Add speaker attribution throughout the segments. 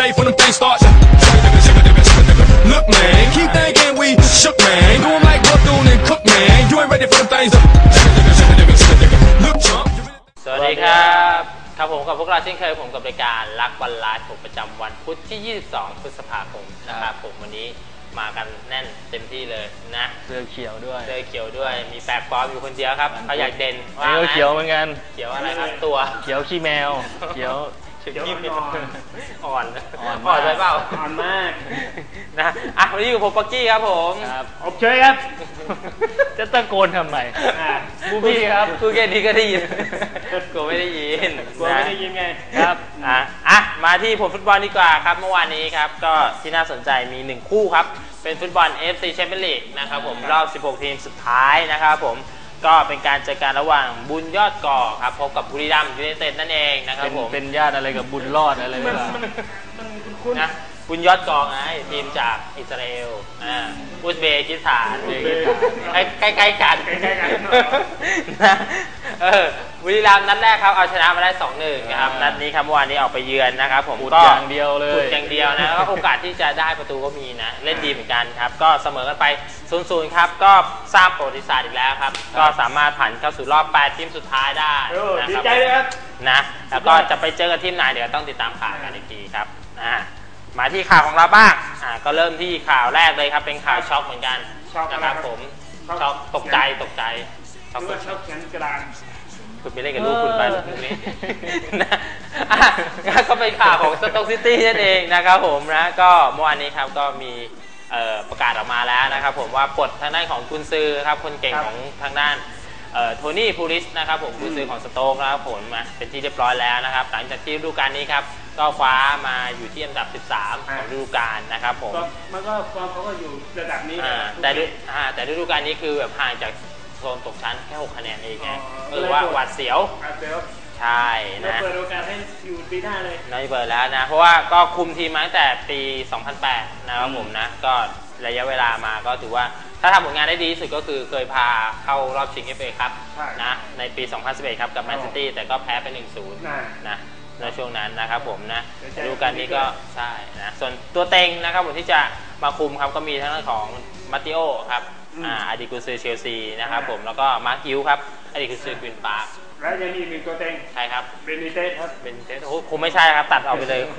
Speaker 1: life when them things start. Look, man, keep thinking we shook, man. Do 'em like Bethune and Cook, man. You ain't ready for them things. Look, chump.
Speaker 2: สวัสดีครับครับผมกับพวกเราเช่นเคยผมกับรายการรักบอลไลฟ์ผมประจำวันพุธที่ 22 พฤษภาคมนะครับผมวันนี้มากันแน่นเต็มที่เลยนะ
Speaker 3: เสื้อเขียวด้วย
Speaker 2: มีแปลกปลอมอยู่คนเดียวครับเขาอยากเด่นว่า
Speaker 3: เขียวเหมือนกัน
Speaker 2: เขียวอะไรครับตัว
Speaker 3: เขียวขี้แมวเขียว
Speaker 2: อ่อนไปเปล่า
Speaker 3: อ่อนมาก
Speaker 2: นะวันนี้อยู่ผมปักกี้ครับผม
Speaker 3: อบเชยครับจะตะโกนทำไมบูบี้ครับ
Speaker 2: คือแค่นี้ก็ได้ยินกลัวไม่ได้ยิน
Speaker 3: ไงครับ
Speaker 2: มาที่ผลฟุตบอลดีกว่าครับเมื่อวานนี้ครับก็ที่น่าสนใจมี1คู่ครับเป็นฟุตบอล AFC Champions League นะครับผมรอบ16ทีมสุดท้ายนะครับผมก็เป็นการเจอกันระหว่างบุญยอดก่อครับพบกับบุรีรัมย์ยูไนเต็ดนั่นเองนะครับผม
Speaker 3: เป็นญาติอะไรกับบุญรอดอะไรแบบ
Speaker 2: นี้นะบุญยอดกองไงทีมจากอิสราเอลอุซเบกิสถานใกล้ๆกันนะบุรีรัมย์นัดแรกครับเอาชนะมาได้ 2-1 นะครับนัดนี้ครับเมื่อวานนี้ออกไปเยือนนะครับผม
Speaker 3: ก็อย่างเดียวเลย
Speaker 2: นะแล้วโอกาสที่จะได้ประตูก็มีนะเล่นดีเหมือนกันครับก็เสมอกันไป 0-0 ครับก็สร้างประวัติศาสตร์อีกแล้วครับก็สามารถผ่านเข้าสู่รอบ8ทีมสุดท้ายได้
Speaker 3: ดีใจเลยครับ
Speaker 2: นะแล้วก็จะไปเจอกับทีมไหนเดี๋ยวต้องติดตามข่าวกันอีกทีครับมาที่ข่าวของเราบ้างก็เริ่มที่ข่าวแรกเลยครับเป็นข่าวช็อกเหมือนกันนะครับผมช็อกตกใจช็อก
Speaker 3: แขนกระดาน
Speaker 2: คุณไปเล่นกับลูกคุณไปตรงนี้ก็เป็นข่าวของสโต๊กซิตี้นั่นเองนะครับผมนะก็เมื่อวานนี้ครับก็มีประกาศออกมาแล้วนะครับผมว่าปลดทางด้านของกุนซือครับคนเก่งของทางด้านโทนี่พูลิสนะครับผมกุนซือของสโต๊กนะครับผมมาเป็นที่เรียบร้อยแล้วนะครับหลังจากที่ฤดูกาลนี้ครับก็คว้ามาอยู่ที่อันดับ13ของฤดูกาลนะครับผม
Speaker 3: มันก็ฟอร์มเขาก็อยู่ระดับนี้
Speaker 2: แต่ฤดูกาลนี้คือแบบห่างจากโซนตกชั้นแค่6คะแนนเองไงคือว่าหวาดเสียวใช่นะ
Speaker 3: เปิดโอกาสให้อยู่ปีหน้าเลย
Speaker 2: น่าจะเปิดแล้วนะเพราะว่าก็คุมทีมมาตั้งแต่ปี 2008 นะครับผมนะก็ระยะเวลามาก็ถือว่าถ้าทำผลงานได้ดีที่สุดก็คือเคยพาเข้ารอบชิง FA ครับนะในปี 2011 ครับกับแมนซิตี้แต่ก็แพ้ไป 1-0 นะในช่วงนั้นนะครับผมนะฤดูกาลนี้ก็ใช่นะส่วนตัวเต็งนะครับผมที่จะมาคุมครับก็มีทั้งของมาติโอครับอดีตกุนซือเชลซีนะครับผมแล้วก็มาร์คิวครับอดีตกุนซือกวินปาร์ค
Speaker 3: แล้วยังมี1ตัวเต็ง
Speaker 2: ใช่ครับ
Speaker 3: เบนิเต้ครับ
Speaker 2: โอ้คงไม่ใช่ครับตัดออกไปเลย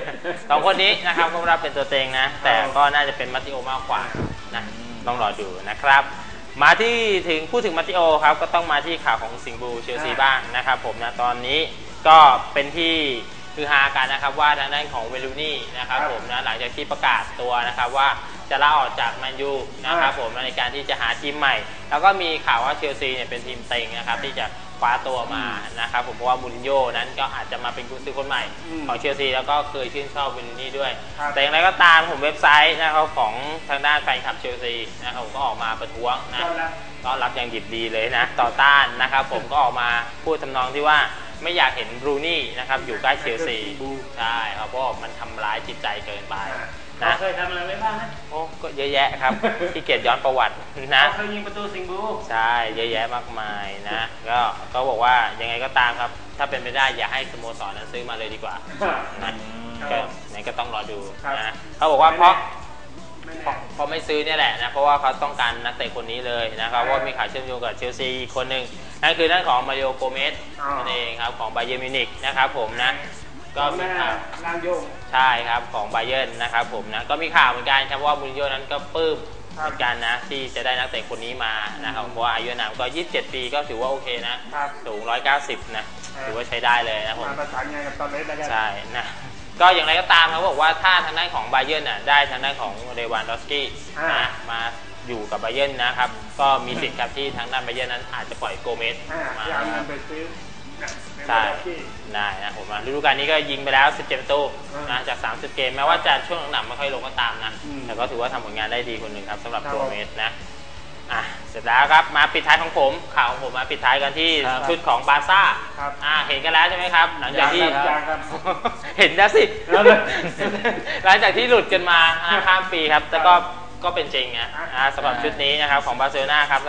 Speaker 2: 2คนนี้นะครับก็รับเป็นตัวเต็งนะแต่ก็น่าจะเป็นมาติโอมากกว่านะต้องรอดูนะครับมาที่พูดถึงมาติโอครับก็ต้องมาที่ข่าวของสิงห์บูเชลซีบ้างนะครับผมนะตอนนี้ก็เป็นที่คือฮากันนะครับว่าทางด้านของเวลูนี่นะครับผมนะหลังจากที่ประกาศตัวนะครับว่าจะลาออกจากแมนยูนะครับผมในการที่จะหาทีมใหม่แล้วก็มีข่าวว่าเชลซีเนี่ยเป็นทีมเต็งนะครับที่จะคว้าตัวมานะครับผมเพราะว่ามูรินโญ่นั้นก็อาจจะมาเป็นกุนซือคนใหม่ของเชลซีแล้วก็เคยชื่นชอบเวลูนี่ด้วยแต่อย่างไรก็ตามผมเว็บไซต์นะครับของทางด้านแฟนคลับเชลซีนะครับผมก็ออกมาประท้วงนะก็รับอย่างดิบดีเลยนะต่อต้านนะครับผมก็ออกมาพูดทำนองที่ว่าไม่อยากเห็นบรูนี่นะครับอยู่ใกล้เชลซีใช่ครับเพราะมันทำร้ายจิตใจเกินไป
Speaker 3: นะเคยทำอะไรไว้บ้างนะ
Speaker 2: โอ้ก็เยอะแยะครับที่เกียรติย้อนประวัตินะ
Speaker 3: เคยยิงประตูสิงห์บู
Speaker 2: ใช่เยอะแยะมากมายนะก็บอกว่ายังไงก็ตามครับถ้าเป็นไปได้อย่าให้สโมสรนั้นซื้อมาเลยดีกว่านะก็ไหนก็ต้องรอดูนะเขาบอกว่าเพราะไม่ซื้อเนี่ยแหละนะเพราะว่าเขาต้องการนักเตะคนนี้เลยนะครับว่ามีข่าวเชื่อมโยงกับเชลซีอีกคนหนึ่งนั่นคือด้านของมาริโอโกเมสนั่นเองครับของบาเยิร์นมิวนิกนะครับผมนะก็มีข่าวใช่ครับของบาเยิร์นนะครับผมนะก็มีข่าวเหมือนกันครับว่ามูรินโญ่นั้นก็ปลื้มเหมือนกันนะที่จะได้นักเตะคนนี้มานะครับเพราะว่าอายุนามก็27 ปีก็ถือว่าโอเคนะสูง190นะถือว่าใช้ได้เลยนะผม
Speaker 3: ประสานงานกับตอนเล็กได้
Speaker 2: ใช่นะก็อย่างไรก็ตามเขาบอกว่าถ้าทางด้านของบาเยิร์นได้ทางด้านของเรวานดอสกี้นะมาอยู่กับบาเยิร์นนะครับก็มีสิทธิ์ครับที่ทางด้านบาเยิร์นนั้นอาจจะปล่อยโกเมสมาใช่ได้นะผมฤดูกาลนี้ก็ยิงไปแล้ว17 ประตูนะจาก30 เกมแม้ว่าจะช่วงหลังไม่ค่อยลงก็ตามนะแต่ก็ถือว่าทำผลงานได้ดีคนหนึ่งครับสำหรับโกเมสนะเสร็จแล้วครับมาปิดท้ายของผมข่าวของผมมาปิดท้ายกันที่ชุดของบาร์ซ่าเห็นกันแล้วใช่ไหมครับหลังจากที่เห็นแล้วสิหลังจากที่หลุดกันมาข้ามปีครับแต่ก็เป็นจริงนะสำหรับชุดนี้นะครับของบาร์เซโลนาครับสำหรับ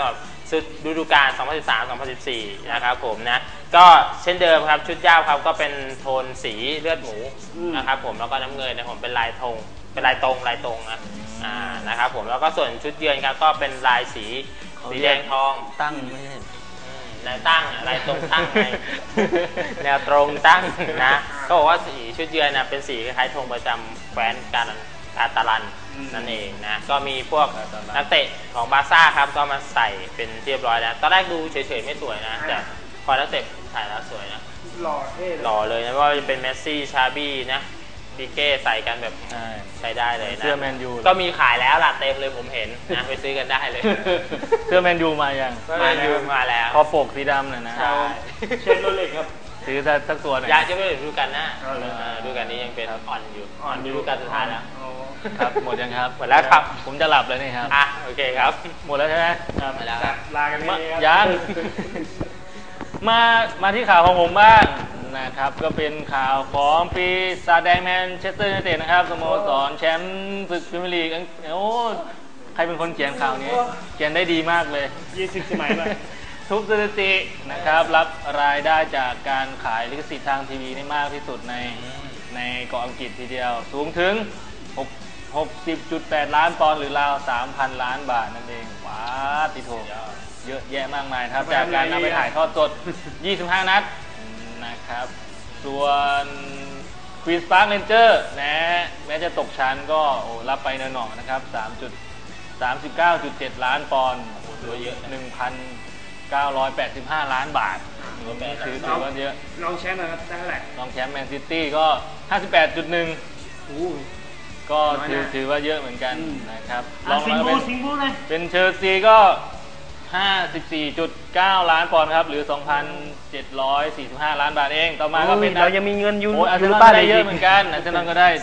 Speaker 2: สุดฤดูกาล 2013-2014 นะครับผมนะก็เช่นเดิมครับชุดเจ้าครับก็เป็นโทนสีเลือดหมูนะครับผมแล้วก็น้ำเงินนะผมเป็นลายธงเป็นลายตรงนะนะครับผมแล้วก็ส่วนชุดเยือนครับก็เป็นลายสีแดงทอง
Speaker 3: ตั้งไม่ใช่
Speaker 2: แนวตั้งอะไรตรงตั้งไง แนวตรงตั้งนะก็บอกว่าสีชุดเยือนนะเป็นสีคล้ายๆธงประจำแคว้นกาตาลันนั่นเองนะก็มีพวกนักเตะของบาร์ซ่าครับก็มาใส่เป็นเรียบร้อยแล้วตอนแรกดูเฉยๆไม่สวยนะแต่พอนักเตะถ่ายแล้วสวยนะ
Speaker 4: หล่อเท่
Speaker 2: หล่อเลยนะว่าจะเป็นเมสซี่ชาบี้นะปิเก้ใส่กันแบบใช้ได้เลยนะ
Speaker 3: เสื้อแมนยู
Speaker 2: ก็มีขายแล้วล่ะเต็มเลยผมเห็นนะไปซื้อกันได้เลย
Speaker 3: เสื้อแมนยูมายัง
Speaker 2: แมนยูมาแล้ว
Speaker 3: คอปกสีดำน่ะนะ
Speaker 4: เชฟโรเล็กครับ
Speaker 3: ซื้อสักตัวหน่อย
Speaker 2: อยากจะไม่ดูกันนะดูกันนี้ยังเป็นอ่อนดูกันสุดท้ายแล้ว
Speaker 3: ครับหมดยังครับ
Speaker 2: หมดแล้วครับ
Speaker 3: ผมจะหลับแล้วนี่ครับ
Speaker 2: โอเคครับ
Speaker 3: หมดแล้วใช่ไหม
Speaker 2: หมดแล้ว
Speaker 4: ลากันเลย
Speaker 3: ยังมาที่ข่าวของผมบ้างนะครับก็เป็นข่าวของปีศาจแดงแมนเชสเตอร์ยูไนเต็ดนะครับสโมสรแชมป์ศึกพรีเมียร์ลีกโอ้ใครเป็นคนเขียนข่าวนี้เขียนได้ดีมากเลย
Speaker 4: 20 สมัยมา
Speaker 3: ทุบสถิตินะครับรับรายได้จากการขายลิขสิทธิ์ทางทีวีนี่มากที่สุดในเกาะอังกฤษทีเดียวสูงถึง 60.8 ล้านปอนด์หรือราว 3,000 ล้านบาทนั่นเองว้าติโถเยอะแยะมากมายครับจากการนำไปถ่ายทอดสด 25 นัดนะครับส่วนควีนส์พาร์คเรนเจอร์แม้จะตกชั้นก็รับไปหน่อยๆนะครับ 39.7 ล้านปอนด์เยอะ 1,985 ล้านบาทถือว่าเยอะ
Speaker 4: รองแชมป์นะครับได้เท่าไหร่
Speaker 3: รองแชมป์แมนซิตี้ก็ 58.1 ก็ถือว่าเยอะเหมือนกันนะครับ
Speaker 4: ลองมา
Speaker 3: เป็นเชลซีก็ 54.9 ล้านปอนด์ครับหรือ 2,745 ล้านบาทเองต่อมาก็เป็น
Speaker 4: เรายังมีเงินยู
Speaker 3: อาร์เซนอลได้เยอะเหมือนกันอาร์เซนอลก็ได้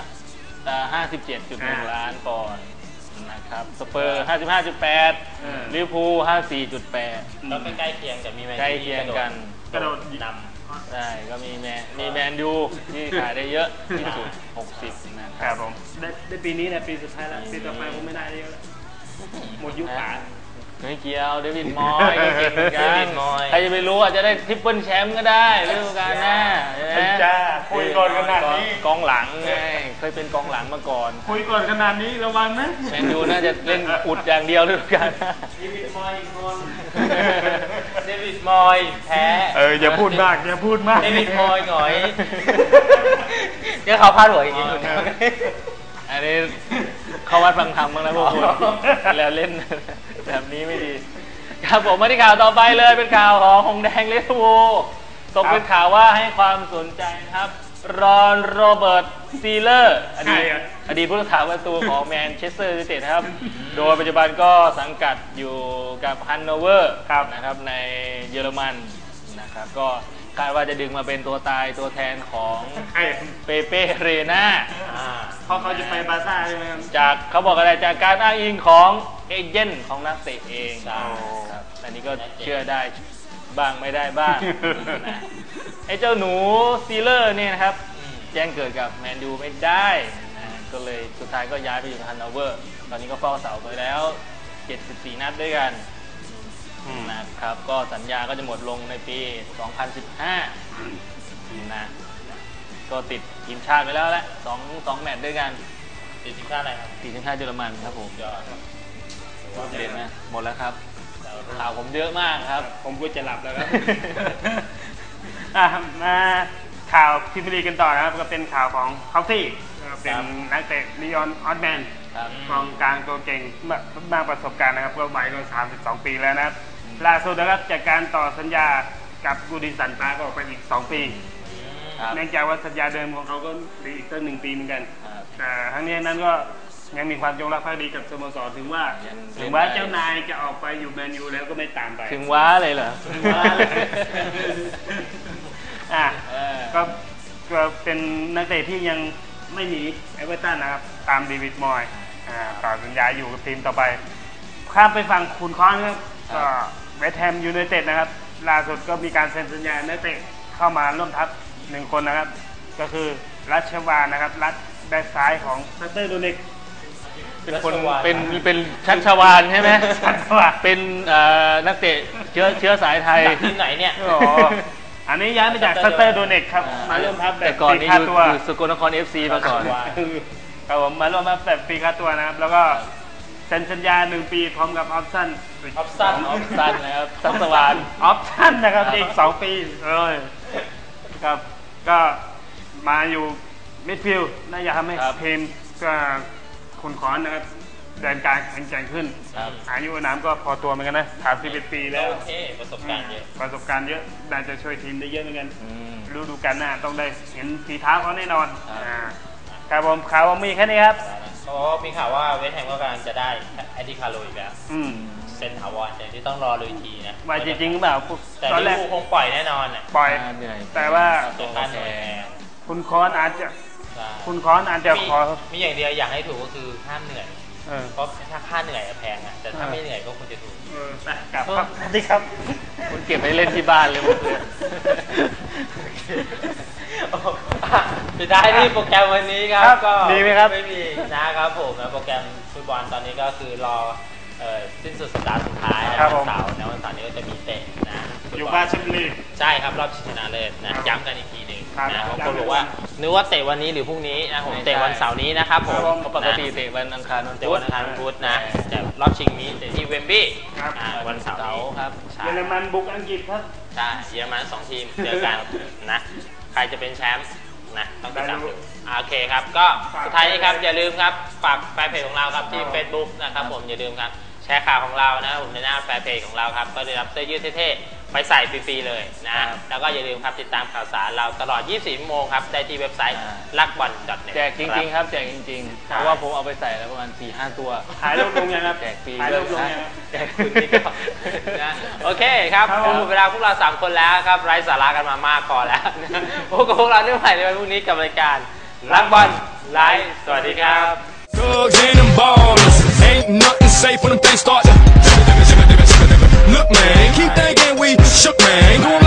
Speaker 3: 57.1 ล้านปอนด์นะครับสเปอร์ 55.8 ลิเวอร์พูล 54.8
Speaker 2: ก็ใกล้เคียงกับมีแมน
Speaker 3: ใกล้เคียงกัน
Speaker 4: กระโดด
Speaker 3: นำได้ก็มีแมนยูที่ขายได้เยอะที่สุด60นะครับ
Speaker 4: ผมได้ปีนี้นะปีสุดท้ายแล้วปีต่อไปคงไม่ได้เยอะแล้วหมดยุคขา
Speaker 3: ไม่เกี่ยวเดวิดมอยก็เก่งเหมือนกันใครจะไปรู้อาจจะได้ทริปเปิลแชมป์ก็ได้ฤดูกาลหน้า
Speaker 4: จ้าคุยก่อนขนาดนี้
Speaker 3: กองหลังไงเคยเป็นกองหลังมาก่อน
Speaker 4: คุยก่อนขนาดนี้ระวังนะ
Speaker 3: แมนยูน่าจะเล่นอุดอย่างเดียวฤดูกาลหน้า
Speaker 4: เดวิดมอยอีกคน
Speaker 2: เดวิดมอยแพ้
Speaker 4: อย่าพูดมากเด
Speaker 2: วิดมอยหน่อยเดี๋ยวเขาพลาดหัวอีกที
Speaker 3: อันนี้เขาวัดฟังธรรมบ้างนะพวกคุณแล้วเล่นแบบนี้ไม่ดีครับผมมาที่ข่าวต่อไปเลยเป็นข่าวของหงแดงลิเวอร์พูลตกเป็นข่าวว่าให้ความสนใจครับรอนโรเบิร์ตซีเลอร์อดีตผู้รักษาประตูของแมนเชสเตอร์ยูไนเต็ดครับโดยปัจจุบันก็สังกัดอยู่กับฮันโนเวอร์นะครับในเยอรมันนะครับก็คาดว่าจะดึงมาเป็นตัวตายตัวแทนของเปเป้เรน่า
Speaker 4: เพราะเขาจะไปบาร์ซ่าใช่ไหมครับ
Speaker 3: จากเขาบอกอะไรจากการอ้างอิงของเอเจนต์ของนักเตะเองครับอันนี้ก็เชื่อได้บ้างไม่ได้บ้างนะไอ้เจ้าหนูซีเลอร์เนี่ยนะครับแจ้งเกิดกับแมนยูไม่ได้นะก็เลยสุดท้ายก็ย้ายไปอยู่ฮันโนเวอร์ตอนนี้ก็เฝ้าเสาไปแล้ว74 นัดด้วยกันนะครับก็สัญญาก็จะหมดลงในปี 2015นะก็ติดทีมชาติไปแล้วแหละ2 แมตช์ด้วยกัน
Speaker 2: ติดทีมชาติอะไรครับ
Speaker 3: ติดทีมชาติเยอรมันครับผมเด่นนะหมดแล้วครับข่าวผมเยอะมากครับ
Speaker 4: ผมก็จะหลับแล้วครับมาข่าวพรีเมียร์ลีกกันต่อนะครับก็เป็นข่าวของเคาซี่เป็นนักเตะลีออนออตแมนกองกลางตัวเก่งมากประสบการณ์นะครับก็วัยก็32 ปีแล้วนะครับล่าสุดนะครับจากการต่อสัญญากับกูดิสันปาร์คออกไปอีก2 ปีเนื่องจากว่าสัญญาเดิมของเขาก็อีกตั้ง1 ปีเหมือนกันแต่ทั้งนี้นั้นก็ยังมีความจงรักภักดีกับสโมสรถึงว่าเจ้านายจะออกไปอยู่แมนยูแล้วก็ไม่ตามไป
Speaker 3: ถึงว้าเลยเหรอ
Speaker 4: ถึงว้าเลยก็เป็นนักเตะที่ยังไม่หนีเอเวอร์ตันนะครับตามเดวิดมอยต่อสัญญาอยู่กับทีมต่อไปข้ามไปฝั่งขุนค้อนครับก็เวสต์แฮมยูไนเต็ดนะครับล่าสุดก็มีการเซ็นสัญญานักเตะเข้ามาร่วมทัพ1 คนนะครับก็คือรัชวานะครับรัชแบ็คซ้ายของซัตเตอร์โดเน็ก
Speaker 3: เป็นคนเป็นชัชวาลใช่ไหมเป็นนักเตะเชื้อสายไทย
Speaker 2: จากทีมไหนเนี่ย
Speaker 4: อ๋ออันนี้ย้ายมาจากซัตเตอร์โดเน็กครับมาเริ่มทับแบ
Speaker 3: แต่
Speaker 4: บ
Speaker 3: ก่อน
Speaker 4: ฟรี
Speaker 3: นี้
Speaker 4: ค่า
Speaker 3: อยู่
Speaker 4: ตัว
Speaker 3: สกลนคร FC มาก่อน
Speaker 4: ครับผมมาเริ่มทับแบบฟรีค่าตัวนะครับแล้วก็เซ็นสัญญา1 ปีพร้อมกับออปชั่น
Speaker 2: ออฟซัน
Speaker 3: ออฟซันนะครับซัสวาน
Speaker 4: ออปชั่นนะครับอีก2 ปีครับก็มาอยู่มิดฟิลด์น่าจะทำให้
Speaker 3: ครับ
Speaker 4: ทีมก็คุณขอนนะครับเดินการแข็งแกร่งขึ้น
Speaker 3: ครับ
Speaker 4: อายุน้ำก็พอตัวเหมือนกันนะ31 ปีแล้ว
Speaker 2: โอเคประสบการณ์เยอะ
Speaker 4: ประสบการณ์เยอะน่าจะช่วยทีมได้เยอะเหมือนกัน
Speaker 3: อืม
Speaker 4: ฤดูกาลหน้าต้องได้เห็นฝีเท้าเขาแน่นอน
Speaker 3: ครับ
Speaker 4: ครับผมข่าวว่ามีแค่นี้ครับ
Speaker 2: เพราะว่ามีข่าวว่าเวสต์แฮมก็กำลังจะได้แอนดี้คาร์โลอีกแล้ว
Speaker 4: อืม
Speaker 2: เซนถาวรแต่ที่ต้องรอเลยอีกทีนะ
Speaker 4: มาจริงๆหรือเปล่า
Speaker 2: แต่
Speaker 4: ตอนแร
Speaker 2: ลิ
Speaker 4: ก
Speaker 2: เวอร์พูลคงปล่อยแน่นอนอ่ะ
Speaker 4: ปล่อย
Speaker 3: เหนื่อย
Speaker 4: แต่ว่า
Speaker 2: ตัวค่าเหนื่อยแพง
Speaker 4: คุณคอนอาจจะ
Speaker 2: ใช่
Speaker 4: คุณคอนอาจจะขอ
Speaker 2: มีอย่างเดียวอยากให้ถูกก็คือห้ามเหนื่อย
Speaker 4: เออ
Speaker 2: เพราะถ้าค่าเหนื่อยอะแพงอ่ะแต่ถ้าไม่เหนื่อยก็ควรจะถูก
Speaker 4: ไปกลับครับสวัสดีครับ
Speaker 3: คุณเก็บไปเล่นที่บ้านเลยหมดเลย
Speaker 2: สุดท้ายที่โปรแกรมวันนี้ครับ
Speaker 4: ครับ
Speaker 2: ก็
Speaker 4: มีไหมครับ
Speaker 2: ไม่มีนะครับผมนะโปรแกรมฟุตบอลตอนนี้ก็คือรอสิ้นสุดสัปดาห์สุดท้ายนะวันเสาร์นะวันเสาร์นี้ก็จะมีเตะนะฟุตบล
Speaker 4: อยู่บ้านชลบุรี
Speaker 2: ใช่ครับรอบชิงชนะเลิศนะครับ ย้ำกันอีกทีหนึ่ง
Speaker 4: ครับ
Speaker 2: นะบาง
Speaker 4: ย้ำ
Speaker 2: คนบอกว่านึกว่าเตะวันนี้หรือพรุ่งนี้นะผม
Speaker 3: ไม่ใช่
Speaker 2: เตะวันเสาร์นี้นะครับผม
Speaker 3: เพราะปกติเตะวันอังคารวัน
Speaker 2: เตะ
Speaker 3: พุ
Speaker 2: วั
Speaker 3: ธ
Speaker 2: นอังคารวันพุธนะแต่รอบชิงนี้เตะที่เวมบลีย์
Speaker 4: ครับ
Speaker 2: วันเสาร์
Speaker 3: เสาร์
Speaker 2: นี้
Speaker 3: ครับ
Speaker 2: ใช่
Speaker 4: เยอรมันบุกอังกฤษครับ
Speaker 2: ใช่เยอรมัน2 ทีมเจอกันนะใครจะเป็นแชมป์นะต้องติดตามดูโอเคครับก็สุดท้ายนี้ครับอย่าลืมครับฝากแฟนเพจของเราครับที่ Facebook นะครับผมอย่าลืมครับแชร์ข่าวของเรานะผมในหน้าแฟนเพจของเราครับก็ได้รับเสื้อยืดเท่ๆไปใส่ฟรีๆเลยนะแล้วก็อย่าลืมครับติดตามข่าวสารเราตลอด 24 ชั่วโมงครับได้ที่เว็บไซต์luckball.net
Speaker 3: แจกจริงๆครับแจกจริงๆ เพราะว่าผมเอาไปใส่แล้วประมาณ 4-5 ตัว
Speaker 4: ถ่ายรูปลงยังครับ
Speaker 3: แจกฟรี
Speaker 4: ถ่ายรูปลงยังครับ
Speaker 2: แจกคุณนี่ก็นะโอเคครับ
Speaker 4: ครับ
Speaker 2: หมดเวลาพวกเรา3 คนแล้วครับไร้สาระกันมามากพอแล้วนะพบกับพวกเราได้ใหม่ในวันพรุ่งนี้กับรายการรักบอลไลฟ์สวัสดีครับ
Speaker 1: Thugs and them ballers. Ain't nothing safe when them things start to. Look, man, keep thinking we shook, man. Ain't going